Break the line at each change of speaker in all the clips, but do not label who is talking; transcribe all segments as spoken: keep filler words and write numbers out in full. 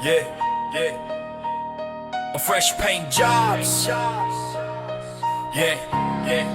Yeah, yeah. A fresh paint jobs. Yeah, yeah.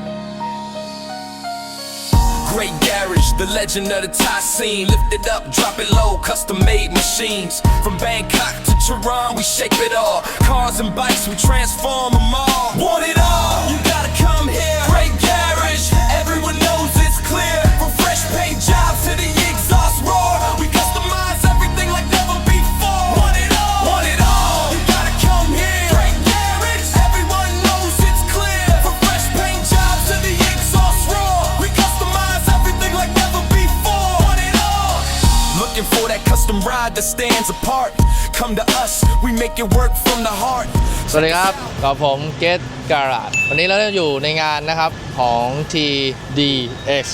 Great garage, the legend of the Thai scene. Lift it up, drop it low, custom made machines. From Bangkok to Tehran, we shape it all. Cars and bikes, we transform them all. Want it all? You gotta come here. Great garage, everyone knows it's clear. From fresh paint jobs to the exhaust roar, we customize everything like never before. Want it all? Want it all? You gotta come here. Great garage, everyone knows it's clear. From fresh paint jobs to the exhaust roar, we customize everything like never before. Want it all? Looking for that custom ride that stands apart. Come to us, we make it work from the heart.
สวัสดีครับกับผมเกตการ์ดวันนี้เราอยู่ในงานนะครับของ ที ดี เอ็กซ์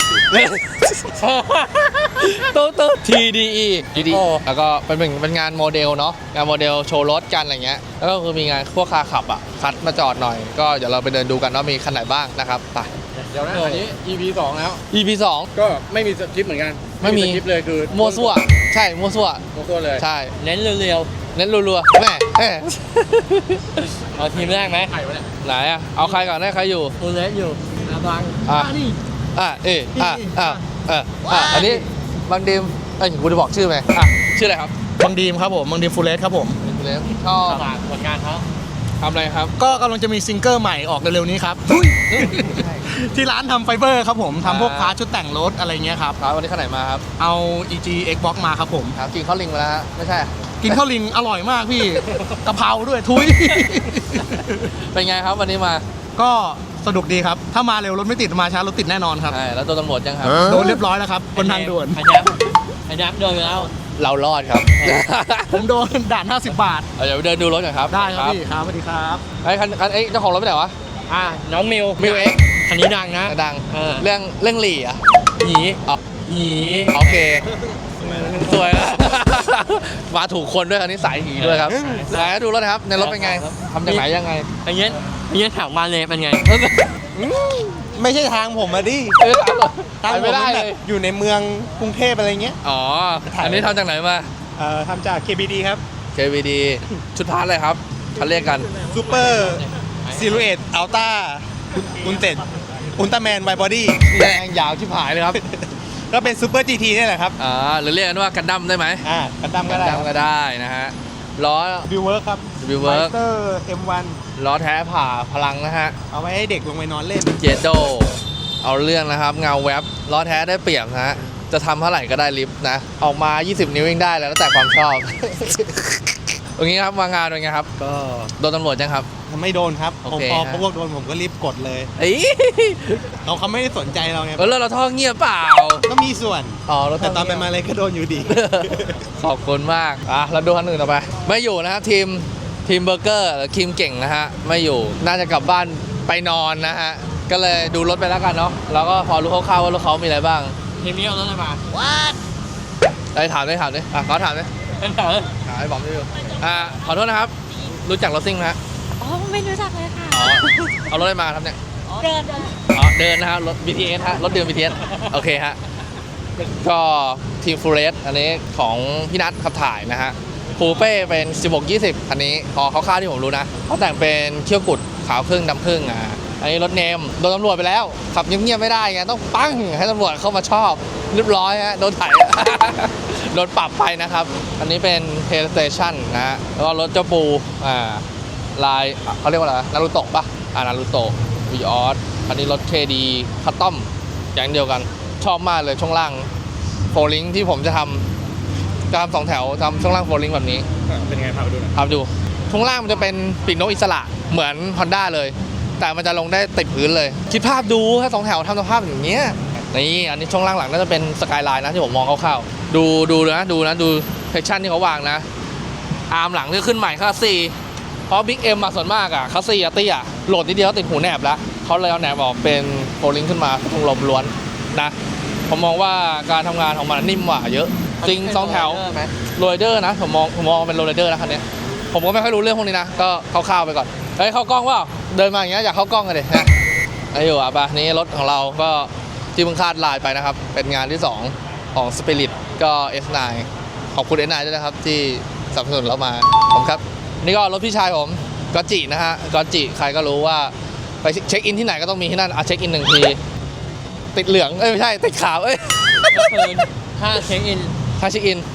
ตู้ตู้ ที ดี อี แล้วก็เป็นเป็นงานโมเดลเนาะงานโมเดลโชว์รถกันอะไรเงี้ยแล้วก็คือมีงานพวกคาขับอ่ะคัดมาจอดหน่อยก็เดี๋ยวเราไปเดินดูกันว่ามีคันไหนบ้างนะครับไป
เดี๋ยวนะอันนี้ อี พี สองแล้ว
อี พี สอง
ก็ไม่มีสคริปต์เหมือนกัน
ไม่มี
สคริปต์เลยคือ
มั่วซั่วใช่มั่วซั่ว
มั่วซั่วเลย
ใช่
เน้นเร็ว
เน้นรัวๆแม่แม่
ๆ เอาทีมแรกไหม
ใครวะเนี่ย
ไหนอ่ะเอาใครก่อนได้ใครอยู่
ตัวเล็กอยู่อาบัง
อ่ะ
นี่
อ่ะเอออ่ะอ่ะเอออ่ะอันนี้บางดีมเอ้ยกูจะบอกชื่อไหมอ่ะชื่ออะไรครับ
บางดีมครับผมบางดีมฟูลเลสครับผม
คุณเล็กชอบ
ฝากผลงานเขา
ทำอะไรครับ
ก็กำลังจะมีซิงเกิลใหม่ออกเร็วๆนี้ครับ ที่ร้านทำไฟเบอร์ครับผมทำพวกพาร์ทชุดแต่งรถอะไรเงี้ยครับ
ครับวันนี้ข้างไหนมาครับ
เอา อี จี Xbox มาครับผม
ครับกินข้าวลิงมาแล้วฮะไม่ใช่
กินข้าวลิงอร่อยมากพี่ กะเพราด้วยทุย
เป็นไงครับวันนี้มา
ก็สนุกดีครับ ถ้ามาเร็วรถไม่ติดมาช้ารถติดแน่นอนครับ
ใช่แล้วตัวตำรวจยังครับ
โดนเรียบร้อยแล้วครับบนทางด่วน
ไอ้แจ๊บไอ้แจ๊บโดนไปแล้ว
เรารอดครับ
ผมโดนด่านห้าสิบบาท
เอาเดี๋ยวไปเดินดูรถกันครับ
ได้ครับพี่ครับสวัสดีครับ
ไอ้คันคันไอ้เจ้าของรถไปไหนวะ
อ่ะน้องมิว
มิวเอ็ก
คันนี้ดังนะ
ดัง
เออ
เรื่องเรื่องหลี่อ่ะ
หยี
อ๋อ
หยี
โอเคสวยแล้ว มาถูกคนด้วยคันนี้สายหีด้วยครับไหนดูรถนะครับในรถเป็นไงทำจากไหนยังไง
ไอ้เงี้ยไอ้เงี้ยถามมาเลยเป็นไง
ไม่ใช่ทางผมอะดิ
เออตาม
ทาง
ไป
ผม
ไม่ได้
แบ
เล
บ
ย
อยู่ในเมืองกรุงเทพอะไรเงี้ย
อ๋ออันนี้ทำจากไหนมา
เอ่อทำจาก เค บี ดี ครับ
เค วี ดี ชุดพาร์ทเลยครับเขาเรียกกัน
ซูเปอร์ซิลูเอตอัลต้าอุลเต็ดอุลตร้าแมนไวบอดี้
แดงยาวชิบหายเลยครับ
ก็เป็นซูเปอร์จีทีนี่แหละครับ
อ่าหรือเรียกกันว่ากันดั้มได้ไหม
อ่ากันดั้มก็ได้
กันดั้มก็ได้นะฮะล้อ
บิวเวิร์กครับ
บิวเวิร์ก
เตอร์ เอ็ม วัน
ล้อแท้ผ่าพลังนะฮะ
เอาไว้ให้เด็กลงไปนอนเล่น
เจโดเอาเรื่องนะครับเงาแว็บล้อแท้ได้เปรียบนะฮะจะทำเท่าไหร่ก็ได้ลิฟต์นะออกมายี่สิบนิ้วยังได้แล้วแต่ความชอบ ตรงนี้ครับมางานเป็นไงครับ
ก็
โดนตำรวจยังครับ
ไม่โดนครับ
โอ
ผม
เค
พอ
ฮะ
พวกโดนผมก็รีบกดเลย
เอ้ย
เขาเขาไม่ได้สนใจเราไง
เออแล้วเราท่อเงียบเปล่า
ก็มีส่วน
อ๋อเรา
แต่ตอนไป
เงียบ
มาเลยก็โดนอยู่ดี
ขอบคุณมากอ่ะเราดูคันอื่นต่อไปไม่อยู่นะครับทีมทีมเบอร์เกอร์หรือทีมเก่งนะฮะไม่อยู่น่าจะกลับบ้านไปนอนนะฮะก็เลยดูรถไปแล้วกันเนาะแล้วก็พอรู้คร่าวๆว่ารถเขามีอะไรบ้าง
ทีมนี้เอารถอะไรมา
ไอ้ถามได้ถามได้อ่ะขอถามได้
เป็นเถอะ
ถามไอ้บอมได้ดูอ่าขอโทษนะครับ รู้จักรถซิ่งไหมฮะ
อ๋อไม่รู้จักเลยค่ะ
อ๋อเอารถอะไรมาครับเนี่ย
เดินเดิน
อ๋อเดินนะครับรถ บี ที เอส ฮะรถเดิน บี ที เอส โอเคฮะก็ทีมฟูเรสอันนี้ของพี่นัทขับถ่ายนะฮะคูเป้เป็นสิบหกยี่สิบคันนี้พอคร่าวๆที่ผมรู้นะเขาแต่งเป็นเขี้ยวกุดขาวครึ่งดำครึ่งอ่ะอันนี้รถเนมโดนตำรวจไปแล้วขับเงียบๆไม่ได้ไงต้องปั้งให้ตำรวจเข้ามาชอบเรียบร้อยฮะโดนไถ โดนปรับไปนะครับ อันนี้เป็น PlayStation นะฮะแล้วก็รถเจ้าปูอ่าลายเขาเรียกว่าอะไรนารูโตะปะอ่านารูโตะวีออสอันนี้รถ เค ดี คัสตอมอย่างเดียวกันชอบมากเลยช่วงล่างโฟลิงที่ผมจะทำจะทำสองแถวทำช่วงล่างโฟลิงแบบนี้
เป็นไงพาไปดูหน่อย
พาไปดูช่วงล่างมันจะเป็นปีกนกอิสระเหมือน Honda เลย แต่มันจะลงได้ติดพื้นเลย คิดภาพดูถ้าสองแถวทำสภาพอย่างเงี้ยนี่อันนี้ช่วงล่างหลังน่าจะเป็นสกายไลน์นะที่ผมมองคร่าวๆดูดูนะดูนะดูเซกชันที่เขาวางนะอาร์มหลังที่ขึ้นใหม่คัสซีเพราะบิ๊กเอ็มมาส่วนมากอะคัสซีอะตี้อะโหลดนิดเดียวติดหูแหนบแล้วเขาเลยเอาแหนบออกเป็นโฟลิงขึ้นมาทงลมล้วนนะผมมองว่าการทำงานของมันนิ่มกว่าเยอะจริงสองแถวโรยเดอร์นะผมมองผมมองเป็นโรยเดอร์นะคันนี้ผมก็ไม่ค่อยรู้เรื่องพวกนี้นะก็คร่าวๆไปก่อนเฮ้ยเข้ากล้องว่าเดินมาอย่างเงี้ยอยากเข้ากล้องกันดินะไอ้อยู่อ่ะปะนี่รถของเราก็ที่เพิ่งคาดลายไปนะครับ เป็นงานที่สองของ Spirit ก็ เอส ไนน์ ขอบคุณ เอส ไนน์ ด้วยนะครับที่สนับสนุนเรามาผมครับนี่ก็รถพี่ชายผมก็จินะฮะก็จิใครก็รู้ว่าไปเช็คอินที่ไหนก็ต้องมีที่นั่นอ่ะเช็คอินหนึ่งทีติดเหลืองเอ้ยไม่ใช่ติดขาวเอ้ย
ก็คือถ้าเช็คอิน
ถ้าเช็คอิน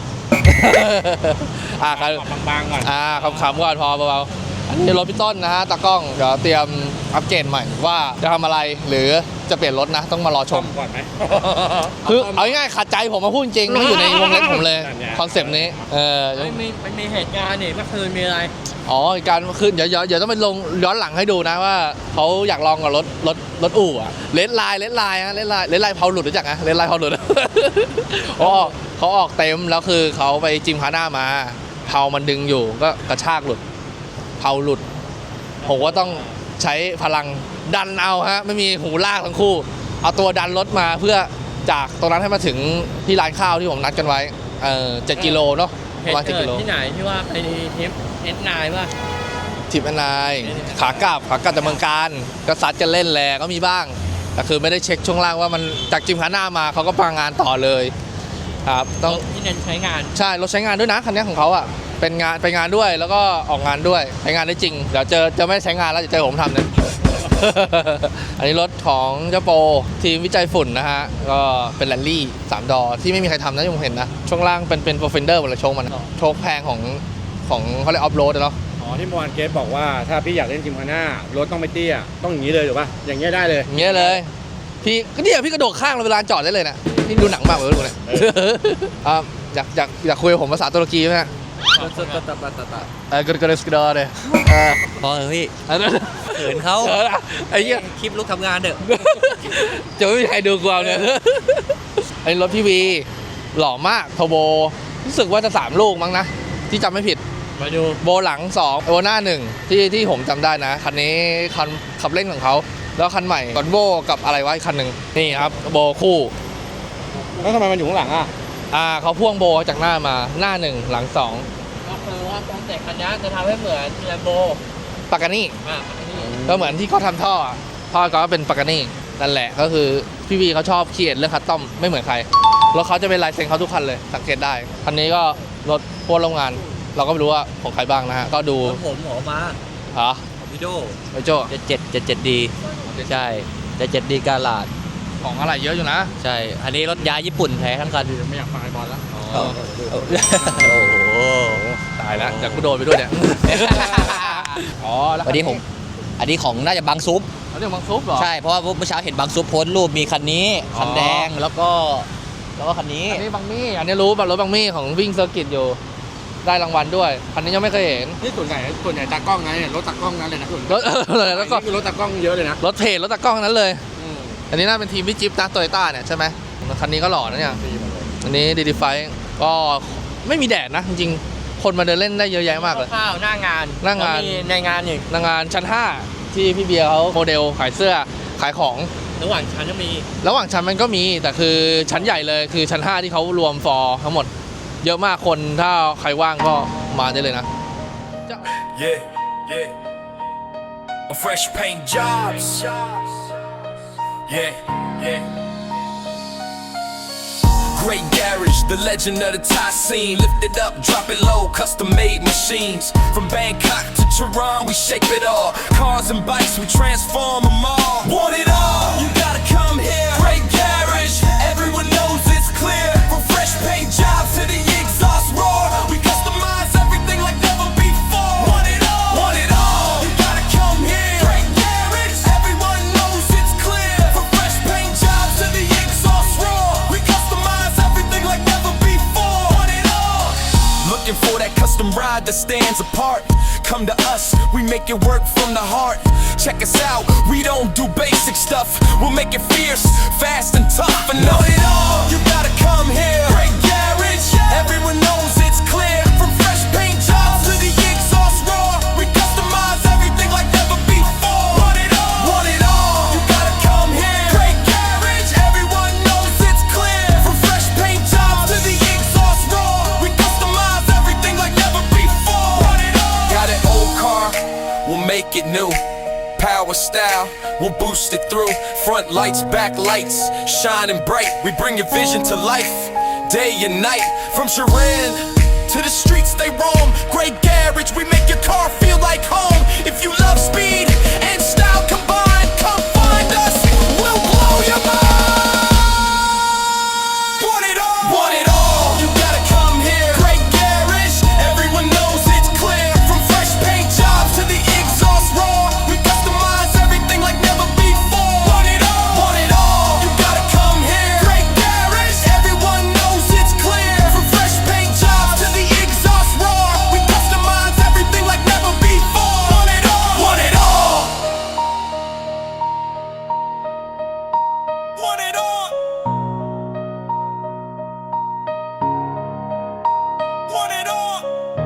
อ่าครับ
บางๆก่อน
อ่าขำๆก่อนพอเบาๆอันนี้รถพี่ต้นนะฮะตากล้องเดี๋ยวเตรียมอัปเกรดใหม่ว่าจะทำอะไรหรือจะเปลี่ยนรถนะต้องมารอชม
ก่อนไหม
คือเอาง่ายๆขัดใจผมมาพูดจริงไม่อยู่ในวงเล็บผมเลย
นั่นไง
คอนเซปต์นี้เออ
ไม่มีไม่มีเหตุการณ์นี่เมื่อคืนมีอะไร
อ๋อการขึ้นเดี๋ยวเดี๋ยวเดี๋ยวต้องไปลงย้อนหลังให้ดูนะว่าเขาอยากลองกับรถรถรถอู่อะเลดไลน์เลดไลน์ฮะเลดไลน์เลดไลน์เผาหลุดรู้จักนะเลดไลน์เผาหลุด อ๋อเขาออกเต็มแล้วคือเขาไปจิมคาน่ามาเผามันดึงอยู่ก็กระชากหลุดเผาหลุดผมก็ต้องใช้พลังดันเอาฮะไม่มีหูลากทั้งคู่ เอาตัวดันรถมาเพื่อจากตรงนั้นให้มาถึงที่ร้านข้าวที่ผมนัดกันไว้เออเจ็ดกิโลเนาะป
เห
ระ
ตุ
มาณเจ็ด
เกิ
กิ
ด
โล
ที่ไหนที่ว่าไปทริปเอสนายป่ะ
ทิปแอนนายขากลับขากลับจากเมืองการก็ซัดกันเล่นแหละก็มีบ้างแต่คือไม่ได้เช็คช่วงล่างว่ามันจากจิมคาน่ามาเขาก็ปางงานต่อเลยครับต้อง
ที่เน้นใช้งาน
ใช่รถใช้งานด้วยนะคันนี้ของเขาอ่ะเป็นงานไปงานด้วยแล้วก็ออกงานด้วยใช้งานได้จริงเดี๋ยวเจอจะไม่ใช้งานแล้วจะเจอผมทำเนี่ย อันนี้รถของเจ้าโปทีมวิจัยฝุ่นนะฮะก็เป็นแรลลี่สามดอที่ไม่มีใครทำนะที่ผมเห็นนะช่วงล่างเป็นเป็นโปรเฟนเดอร์หมดเลยโชคมันอะโชคแพงของของเขาเรียกออฟโรดเนาะ
อ๋อที่เมื่อวานเกสบอกว่าถ้าพี่อยากเล่นจิมคาน่ารถต้องไม่เตี้ยต้องอย่างนี้เลยถูกป่ะอย่างเงี้ยได้เลย
อย่างเงี้ยเลยพี่ก็เนี่ยพี่กระโดดข้างเราเวลาจอดได้เลยนะนี่ดูหนังมากเลยดูเนี่ย อ่ะอยากอยากอยากคุยกับผมภาษาตุรกีไหมฮะเออกระกระสกระดอเลยเออ
พอเถอะพี่
เออ
เขินเขา
เออไอ้เหี้ย
คลิปลุกทำงานเถอะ
จะไม่มีใครดูกวาวเนี่ยไอ้รถพี่วีหล่อมากโทโบรู้สึกว่าจะสามลูกมั้งนะที่จำไม่ผิด
มาดู
โบหลังสองโบหน้าหนึ่งที่ที่ผมจำได้นะคันนี้คันขับเล่นของเขาแล้วคันใหม่ก่อนโบกับอะไรวะอีกคันหนึ่งนี่ครับโบคู่
แล้วทำไมมันอยู่ข้างหลังอ่ะ
อ่าเขาพ่วงโบจากหน้ามาหน้าหนึ่งหลังสอง
ก็คือว่าคอนเซ็ปต์คันนี้จะทำให้เหมือนแลมโบ
ปากานี่
อ่ะนี่
ก็เหมือนที่เขาทำท่ออะท่อก็เป็นปากานี่นั่นแหละก็คือพี่วีเขาชอบเขียนเรื่องคัสตอมไม่เหมือนใครรถเขาจะเป็นลายเซ็นเขาทุกคันเลยสังเกตได้คันนี้ก็รถพวกโรงงาน เราก็ไม่รู้ว่าของใครบ้างนะฮะก็ดู
ผมออกมา
อ๋อ
ของพี่โด
ไอโจ้
เจ็ดเจ็ดเจ็ดเจ็ดดีใช่เจ็ดเจ็ดดีกาลาด
ของอะไรเยอะอยู่นะ
ใช่ อันนี้รถยาญี่ปุ่นแท้ทั้งคัน
ไม่อยากฟังไอ้บอลแล้ว
โอ้โห
ตายแล้วจากกูโดนไปด้วยเนี่ย อ๋อแล้ว
วันนี้ผม อันนี้ของน่าจะบางซุป
เขาเรียกมังซุปเหรอ
ใช่ เพราะว่าเมื่อเช้าเห็นบางซุปโพสต์รูปมีคันนี้ คันแดง แล้วก็ แล้วก็คันนี้
อันนี้บังมี่อันนี้รู้แบบรถบังมี่ของวิ่งเซอร์กิตอยู่ได้รางวัลด้วยคันนี้ยังไม่เคยเห็น
นี่ส่วนใหญ่ส่วนใหญ่ตากล้องนะเนี่ยรถตากล้องนั้นเลยนะส่วน
รถเออแล้วก็
นี่คือรถตากล้องเยอะเลยนะ
รถเพจรถตากล้องทั้งนั้นเลย อันนี้น่าเป็นทีมพี่จิ๊บนะโตโยต้าเนี่ยใช่ไหมคันนี้ก็หล่อนะเนี่ยอันนี้ดีดีไฟก็ไม่มีแดดนะจริงๆคนมาเดินเล่นได้เยอะแยะมากเลย
ข้าวหน้างาน
หน้างาน
แล้วมีในงานอีก
นางงานชั้นห้าที่พี่เบียร์เขาโมเดลขายเสื้อขายของ
ระหว่างชั้นก็มี
ระหว่างชั้นมันก็มีแต่คือชั้นใหญ่เลยคือชั้นห้าที่เขารวมฟอร์ทั้งหมด เยอะมากคนถ้าใครว่างก็มาได้เลยนะ
Yeah, yeah. A fresh paint jobs. Yeah, yeah. Great garage, the legend of the Thai scene. Lift it up, drop it low, custom made machines. From Bangkok to Tehran, we shape it all. Cars and bikes, we transform them all. Want it all? You gotta come here. Great garage, everyone knows it's clear. From fresh paint jobs to the exhaust roar, we customize everything like never before. Want it all? Want it all? You gotta come here. Great garage, everyone knows it's clear. From fresh paint jobs to the exhaust roar, we customize everything like never before. Want it all? Looking for that custom ride that stands apart. Come to us, we make it work from the heart. Check us out, we don't do basic stuff. We'll make it fierce, fast and tough. And know it all, you gotta come here. Great garage, everyone knows it's clear. From fresh paint jobs to the exhaust roar, we customize everything like never before. Want it all? Want it all? You gotta come here. Great garage, everyone knows it's clear. From fresh paint jobs to the exhaust roar, we customize everything like never before. Want it all? Got an old car, we'll make it new. Power style, we'll boost it through. Front lights, back lights, shining bright. We bring your vision to life, day and night. From Sharan to the streets they roam. Great garage, we make your car feel like home. If you love speed and style combined, come find us, we'll blow your mind. Want it all, want it all, you gotta come here. Great garage, everyone knows it's clear. From fresh paint jobs to the exhaust roar, we customize everything like never before. Want it all, want it all, you gotta come here. Great garage, everyone knows it's clear. From fresh paint jobs to the exhaust roar, we customize everything like never before. Want it all, want it all, want it all, want it all.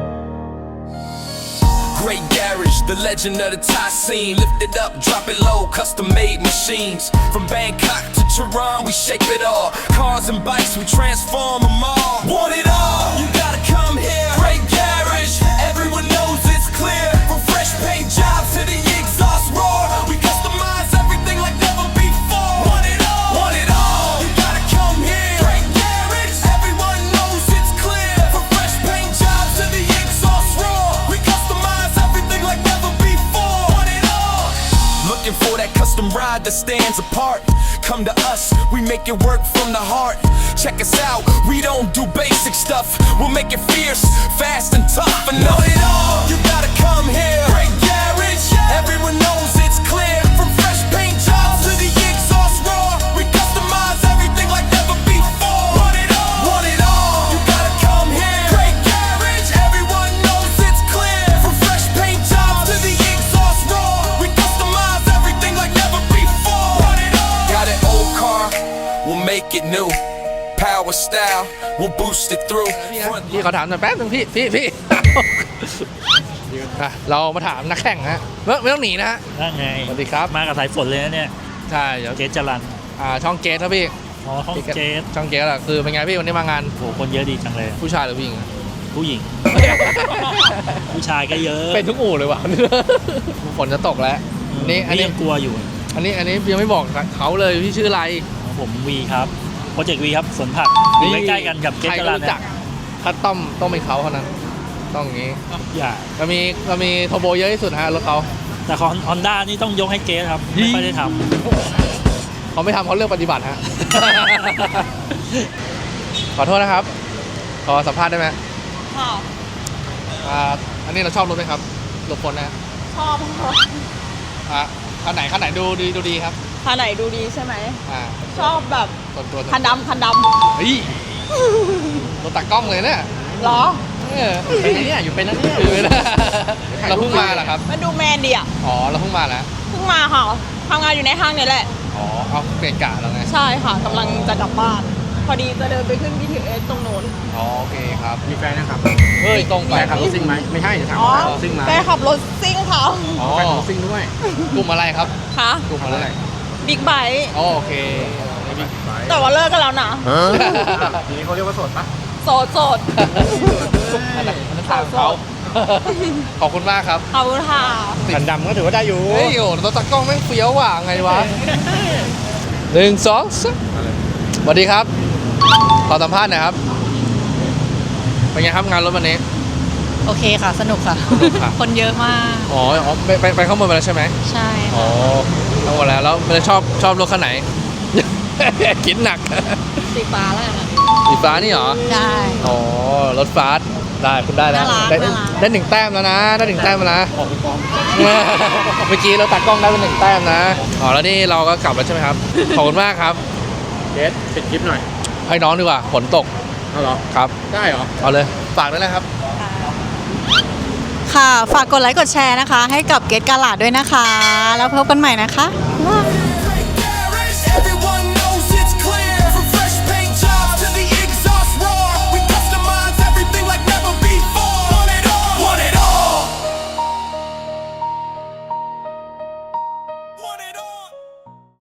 Great garage, the legend of the Thai scene. Lift it up, drop it low, custom made machines. From Bangkok to Tehran, we shape it all. Cars and bikes, we transform them all. Want it all, you gotta come here. Great garage, everyone knows it's clear. From fresh paint jobs to the exhaust roar, we customize everything like never before. Want it all, want it all, you gotta come here. Great garage, everyone knows it's clear. From fresh paint jobs to the exhaust roar, we customize everything like never before. Want it all, looking for that custom ride that stands apart. Come to us, we make it work from the heart. Check us out, we don't do basic stuff. We'll make it fierce, fast and tough. And know it all, you gotta come here. Great garage, everyone knows it's clear. From fresh paint jobs to the exhaust roar, we customize everything like never before. Want it all, want it all, you gotta come here. Great garage, everyone knows it's clear. From fresh paint jobs to the exhaust roar, we customize everything like never before. Want it all, got an old car, we'll make it new. Power style, we'll boost it through.
พี่เขาถามหน่อยแป๊บนึงพี่พี่พี่ อ่ะเรามาถามนักแข่งฮะไม่ไม่ต้องหนีนะฮะ
นั่นไง
สวัสดีครับ
มากับสายฝนเลยนะเนี่ย
ใช่เดี๋ยว
เกตจรัน
อ่าช่องเกตครับพี่
อ๋อห้องเกต
ช่องเกตอะคือเป็นไงพี่วันนี้มางาน
โหคนเยอะดีจังเลย
ผู้ชายหรือผู้หญิงอะ
ผู้หญิง ผู้ชายก็เยอะ
เป็นทุกอู่เลยว่ะ ฝนจะตกแล้ว นี่อันนี้
ยังกลัวอยู่
อันนี้อันนี้ยังไม่บอกเขาเลยพี่ชื่ออะไร
ผมวีครับโปรเจกต์วีครับสวนผักอยู่ใกล้ๆกันกับเกต
ใคร
จ
ก็
รัน
รู้จักถ้าต้อมต้องเป็นเขาเท่านั้น ต้องอย่างนี้
อย่า
เรามีเรามีโทโบเยอะที่สุดฮะรถเขา
แต่ของฮอนด้านี่ต้องยกให้เกตครับ ไม่ค่อยได้ท
เขาไม่ทำเขาเลือกปฏิบัติฮะ ขอโทษนะครับ ขอสัมภาษณ์ได้ไหม
ค่ะ
อ่าอันนี้เราชอบรถไหมครับรถคนนะ
ชอบค่ะ
อ่ะคันไหนคันไหนดูดีดูดีครับ
คันไหนดูดีใช่ไหม
อ่า
ชอบแบบ
ส่วนตัว
คันดำคันด
เฮ้ยรถตากล้องเลยเนี่ย
ำเหรอ
เออเป็นนะเนี่ยอยู่เป็นนะเนี่ยอยู่เป็นนะเราเพิ่งมาเหรอครับ
มันดูแมนดีอ่ะ
อ๋อเราเพิ่งมาแล้ว
เพิ่งมาค่ะทำงานอยู่ในห้างเนี่ยแหละ
อ๋อเอาเปลี่ยนกะแล้วไง
ใช่ค่ะกำลังจะกลับบ้าน พอดีจะเดินไปขึ้น บี ที เอส ตรงโน้น
อ๋อโอเคครับ
มีแฟนนะครับ
เฮ้ยตรงไป
แฟนขับรถซิ่งไหมไม่ใช่จะถาม
อ๋อ
ว่าขับรถซิ่งไหม
แฟนขับรถซิ่งค่ะ
อ๋อ
แฟนขับรถซิ่งด้วย
กลุ่มอะไรครับ
ค่ะ
กลุ่มอะไร
บิ๊กไบค์
อ๋อโอเค
แต่ว่าเลิกกันแล้วนะ
ทีนี้เขาเรียกว่าโสดปะ
โสดโสด
อันนั้นอันนั้นทางเขาขอบคุณมากครับ
ขอบคุณค่ะ
ขันดำก็ถือว่าได้อยู่
เฮ้ยโอ้รถตากล้องแม่งเฟี้ยวว่ะไงวะหนึ่งสองสามสวัสดีครับ ขอสัมภาษณ์หน่อยครับ เป็นไงครับงานรถวันนี้
โอเคค่ะ สนุกค่ะ
สนุกค่ะ
คนเยอะมาก
อ๋ออ๋อไปไปไปข้างบนไปแล้วใช่ไหม
ใช่
อ๋อทั้งหมดแล้วแล้วมันชอบชอบรถคันไหน คิดหนัก
สีฟ้าแล้วกันค่ะ
สีฟ้านี่เหรอ
ใช่
อ๋อ รถฟาสต์ได้คุณได้แล้ว
น่ารัก
ได้
น่ารัก
ได้หนึ่งแต้มแล้วนะ ได้หนึ่งแต้มแล้วนะ เมื่อกี้เราตัดกล้องได้เป็นหนึ่งแต้มนะ อ๋อ แล้วนี่เราก็กลับแล้วใช่ไหมครับ ขอบคุณมากครับ
เกสปิดคลิปหน่อย
ให้น้องดีกว่า ฝนตก
เอาเหรอ
ครับ
ได้เหรอ
เอาเลย ฝากด้วยนะครับ
ค่ะ ฝากกดไลค์กดแชร์นะคะ ให้กับเกตกาลาดด้วยนะคะ แล้วพบกันใหม่นะคะ